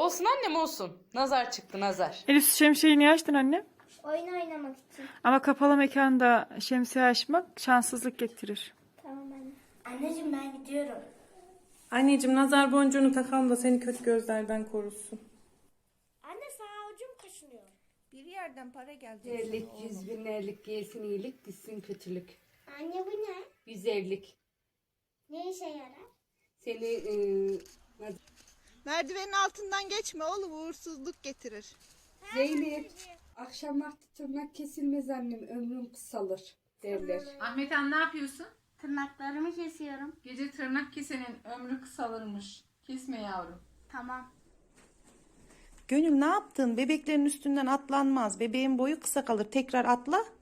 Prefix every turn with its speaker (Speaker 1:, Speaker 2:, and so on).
Speaker 1: Olsun annem olsun. Nazar çıktı nazar.
Speaker 2: Elif şemsiyeyi niye açtın annem?
Speaker 3: Oyun oynamak için.
Speaker 2: Ama kapalı mekanda şemsiye açmak şanssızlık getirir.
Speaker 3: Tamam anne. Anneciğim ben gidiyorum.
Speaker 4: Anneciğim nazar boncuğunu takalım da seni kötü gözlerden korusun.
Speaker 3: Anne sağ ucum kaşınıyor.
Speaker 5: Bir yerden para gelecek.
Speaker 1: Erlik, 100 binlerlik gelsin iyilik, gitsin kötülük.
Speaker 3: Anne bu ne?
Speaker 1: Güzellik.
Speaker 3: Ne işe yarar?
Speaker 1: Seni
Speaker 5: Merdivenin altından geçme oğlum, uğursuzluk getirir.
Speaker 1: Zeynep, akşam vakti tırnak kesilmez annem, ömrüm kısalır derler.
Speaker 6: Ahmet Han ne yapıyorsun?
Speaker 3: Tırnaklarımı kesiyorum.
Speaker 6: Gece tırnak kesenin ömrü kısalırmış. Kesme yavrum.
Speaker 3: Tamam.
Speaker 4: Gönül ne yaptın? Bebeklerin üstünden atlanmaz. Bebeğin boyu kısa kalır. Tekrar atla.